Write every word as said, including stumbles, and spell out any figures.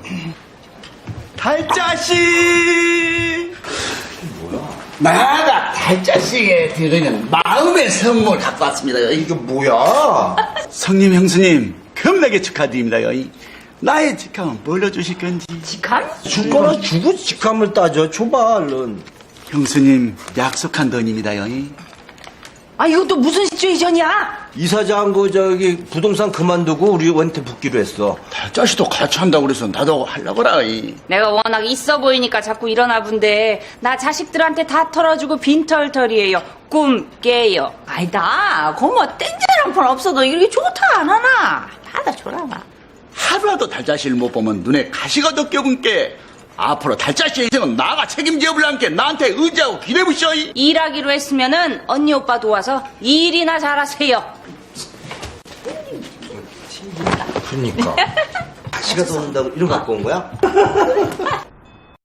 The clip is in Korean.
달자씨! 뭐야? 나가 달자씨에게 드리는 마음의 선물 갖고 왔습니다. 이게 뭐야? 성님 형수님 겁나게 축하드립니다요. 나의 직함은 뭘로 주실 건지. 직함? 줄 거나 주고 직함을 따져. 줘봐, 얼른. 형수님 약속한 돈입니다요. 아, 이것도 무슨 시츄에이션이야? 이사장 그 저기 부동산 그만두고 우리한테 붙기로 했어. 달자씨도 같이 한다고 그래서 나도 하려고라. 내가 워낙 있어 보이니까 자꾸 일어나 본데 나 자식들한테 다 털어주고 빈털털이에요. 꿈 깨요. 아니다. 고모 땡전 한 푼 없어도 이렇게 좋다 안 하나? 받아줘라. 하루라도 달자씨를 못 보면 눈에 가시가 더 껴근게. 앞으로 달자씨의 인생은 나가 책임져 볼란게 나한테 의지하고 기대부셔. 일하기로 했으면은 언니 오빠 도와서 일이나 잘하세요. 그러니까. 다시가 더 온다고 이런 거 갖고 온 거야?